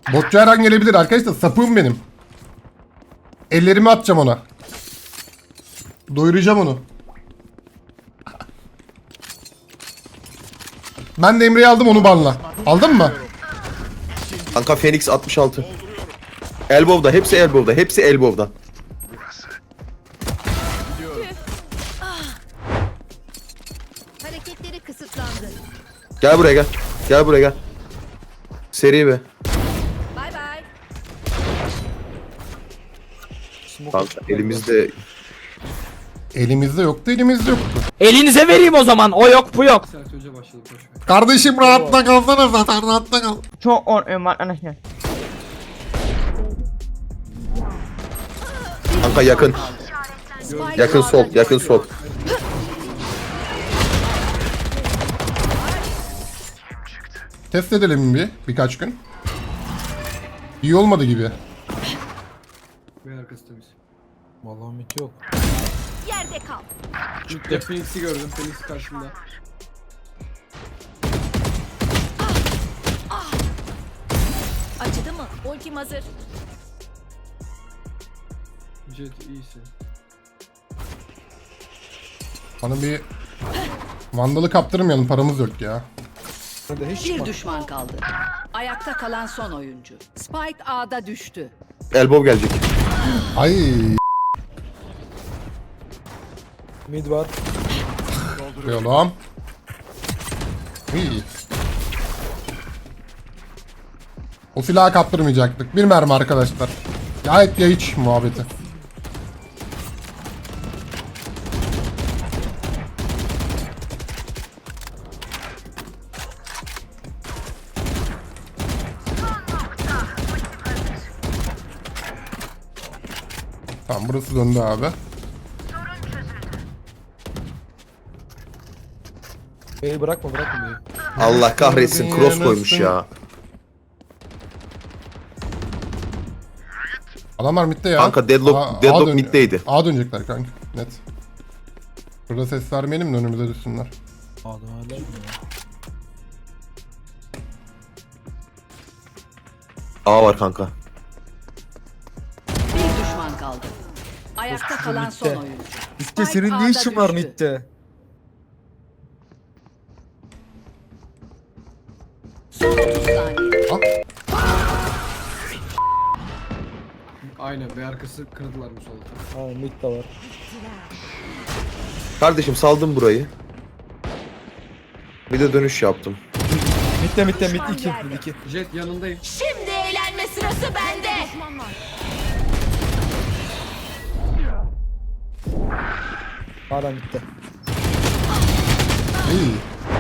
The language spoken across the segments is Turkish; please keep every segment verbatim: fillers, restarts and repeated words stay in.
Botçu her an gelebilir arkadaşlar. Sapığım benim. Ellerimi atacağım ona. Doyuracağım onu. Ben de Emre'yi aldım, onu banla. Aldın mı? Kanka Phoenix altmış altı. Elbow'da, hepsi elbow'da, hepsi elbow'da. Hareketleri kısıtlandı. Gel buraya gel. Gel buraya gel. Seri be. Bay bay. Kanka elimizde Elimizde yoktu, elimizde yoktu. Elinize vereyim o zaman. O yok bu yok. Kardeşim rahatta kalsana, zaten rahatta kal. Çok korkuyorum arkadaşlar. kanka yakın. Spike Yakın sol, A'da yakın düştü. sol. Test edelim bir birkaç gün. İyi olmadı gibi. Ve arkası temiz. Vallahi mit yok. Yerde kal. İlk de Phoenix'i gördüm. Phoenix karşımda. Acıdı mı? Ultim hazır. Jet iyisin. Bana bir Vandal'ı kaptırmayalım, paramız yok ya. Hadi hiç Bir çıkma. düşman kaldı. Ayakta kalan son oyuncu. Spike A'da düştü. Elbow gelecek. Ay Mid var. oğlum. İyi. O silahı kaptırmayacaktık. Bir mermi arkadaşlar. Gayet ya hiç muhabbeti. Tamam, burası döndü abi. B'yi bırakma bırakma B'yi. Allah kahretsin, cross koymuş ya. Adamlar midde ya. Kanka deadlock- A- deadlock A dön- middeydi. A dönecekler kanka. Net. Burada ses vermeyelim de önümüze düşsünler. Adam hala mı? A var kanka. Bir düşman kaldı. Ayakta kalan son bitti. oyuncu. Mitte Spike senin A'da ne işin var düştü. Mitte? Son otuz saniye. Aynen. Ve arkası kırdılar bu solda. Ha mid de var. Kardeşim saldım burayı. Bir de dönüş yaptım. Mitte mitte mid iki mid iki. Jet yanındayım. Şimdi eğlenme sırası bende. Hala mitte. İyi.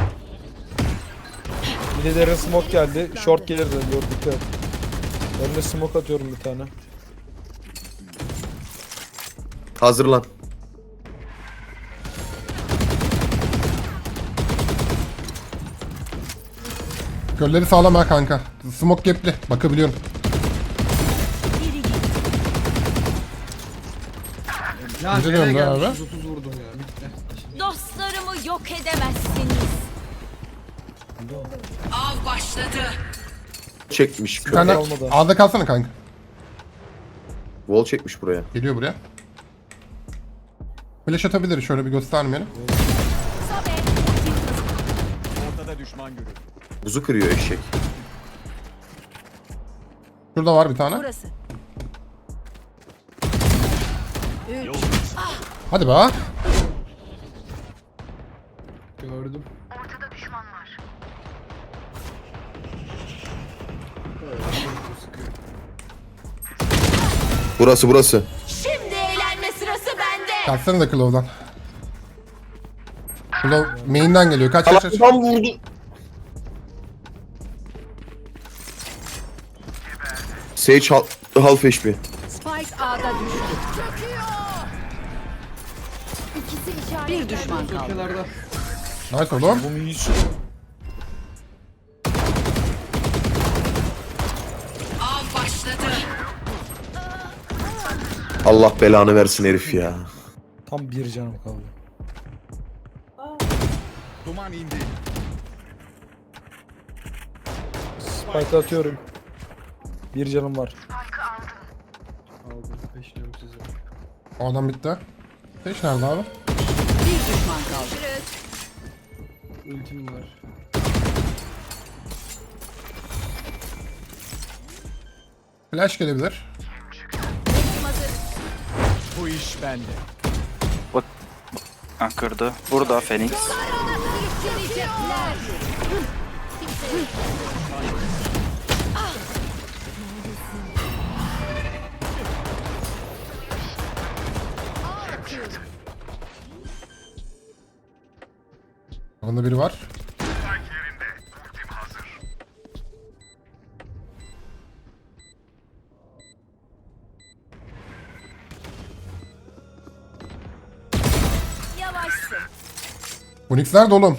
Mid'e derin smoke geldi. Short gelir de diyor dikkat. Ben de smoke atıyorum bir tane. Hazırlan. Kölleri sağlam ha kanka. Smoke gapli. Bakabiliyorum. Ya Bize nereye döndü gelmiş? abi. yüz otuz vurdum ya. Bitti. Dostlarımı yok edemezsiniz. Av başladı. Çekmiş. Bir tane olmadı. A'da kalsana kanka. Wall çekmiş buraya. Geliyor buraya. Flash atabilir, şöyle bir göstermeyelim. Buzu kırıyor eşek. Şurada var bir tane. Burası. Hadi be. Gördüm. Burası burası. Şimdi eğlenme sırası bende. Kalksana da Claw'dan. Claw main'den geliyor. Kaç kaç kaç. Adam vurdu. Sage hal half H P. Spike A'da düştü. Bir düşman kaldı. Kenarda. Nice oğlum. Bu mid Av başladı. Allah belanı versin herif ya. tam bir canım kaldı. Spike atıyorum. Bir canım var. Aldım. Peşliyorum sizi. O adam bitti. Beş nerede abi? Bir düşman kaldı. Ultim var. Flash gelebilir. Ha, kırdı. Burada Phoenix. Onda biri var. Yavaşsın. Unix nerede oğlum?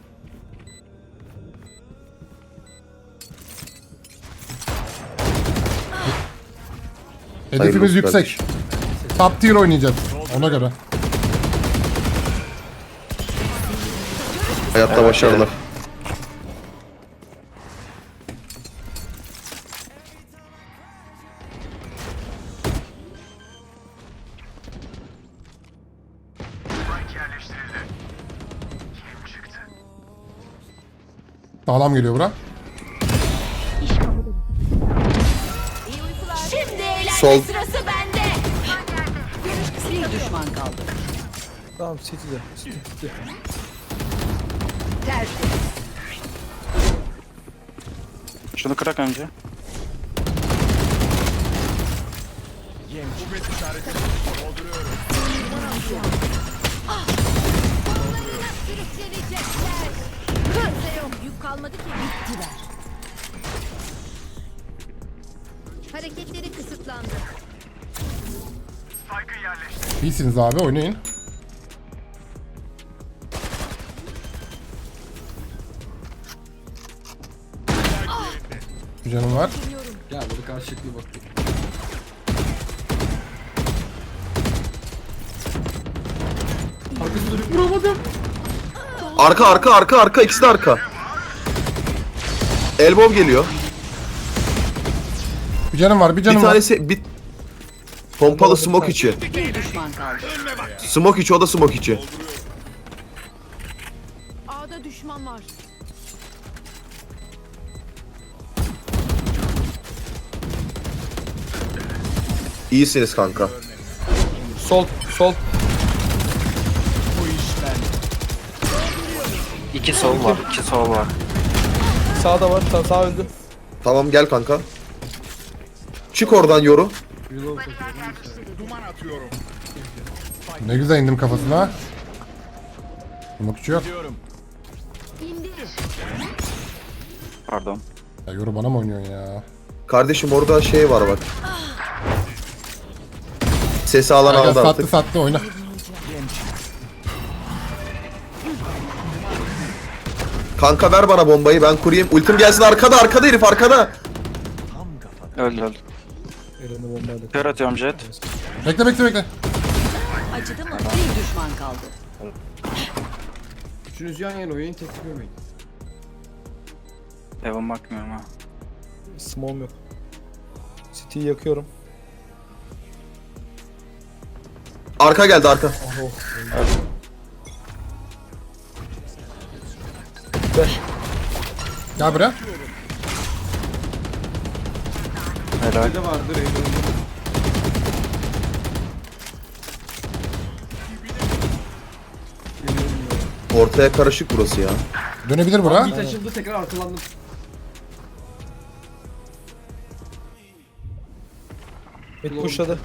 Hedefimiz Hayırlı yüksek. Top tier oynayacağız. Ona göre. Hayatta başarılar. Sağlam geliyor bura. Şimdi eğlence Sol. sırası bende. Bir düşman kaldı. Tamam City'de. City, City. Tertemiz. Şunu kırak önce. Sürüklenecekler. Kimse yok. Yük kalmadı ki. Bittiler. Hareketleri kısıtlandı. İyisiniz abi, oynayın. Bir canım var. Gel burada karşılıklı baktık. Arkası dönüp vuramadım. Arka arka arka arka ikisi de arka. Elbow geliyor. Bir canım var, bir Bir canım var. tanesi bir pompalı smoke içi. Bir düşman kaldı. Smoke içi, o da smoke içi. A'da düşman var. İyisiniz kanka. Sol, sol. İki sol var. iki sol var. Sağda var. Sağ, sağ öldü. Tamam gel kanka. Çık oradan yoru. Reload atıyorum. Ne güzel indim kafasına. Smoke'çu yok. Pardon. Ya yoru bana mı oynuyorsun ya? Kardeşim orada şey var bak. Sesi alan Gel, gel, aldı sattı artık. sattı oyna. Kanka ver bana bombayı, ben kurayım. Ultim gelsin, arkada arkada herif arkada. Öldü öldü. Elini bombayla. Kör atıyorum jet. Bekle bekle bekle. Acıdı mı? Bir düşman kaldı. Üçünüz yan yana oynayın, teklif yemeyin. Evan bakmıyorum ha. Smoke'um yok. City'yi yakıyorum. Arka geldi arka. Gel buraya. Helal. Bir de vardır Eylül'ün. Ortaya karışık burası ya. Dönebilir bura. Git açıldı, tekrar arkalandım. Mid pushladı.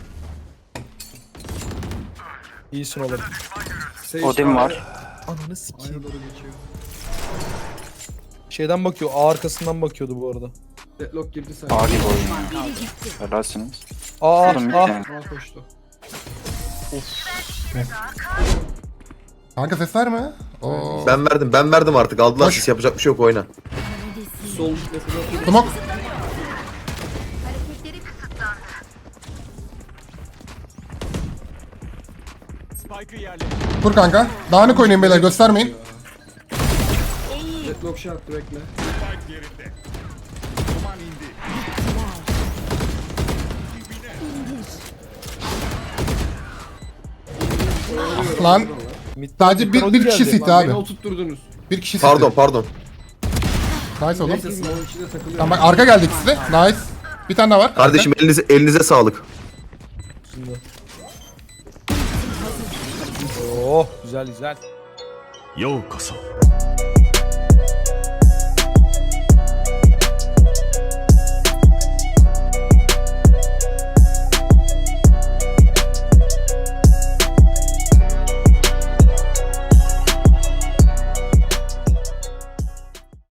İyisin oğlum. Sage Odin var. Ananı A'ya sikeyim. doğru geçiyor. Şeyden bakıyor. A arkasından bakıyordu bu arada. Deadlock girdi sen. A gibi oyun ya. Helalsiniz. A, Oğlum, bir A. tane. A koştu. Kanka ses verme. Oo. Ben verdim ben verdim artık, aldılar Boş. siz, yapacak bir şey yok, oyna. Sol mesela. Smoke. Dur kanka. Dağınık oynayın beyler, göstermeyin. Deadlock shot bekle. Lan sadece bir, bir kişi city abi. Beni oturtturdunuz. Bir kişi city. Pardon pardon. Nice oğlum. Neyse smoke'un içinde takılıyorum. Tamam bak arka geldi ikisi de. Nice. Bir tane daha var. Kardeşim elinize elinize sağlık. Oh güzel güzel. ようこそ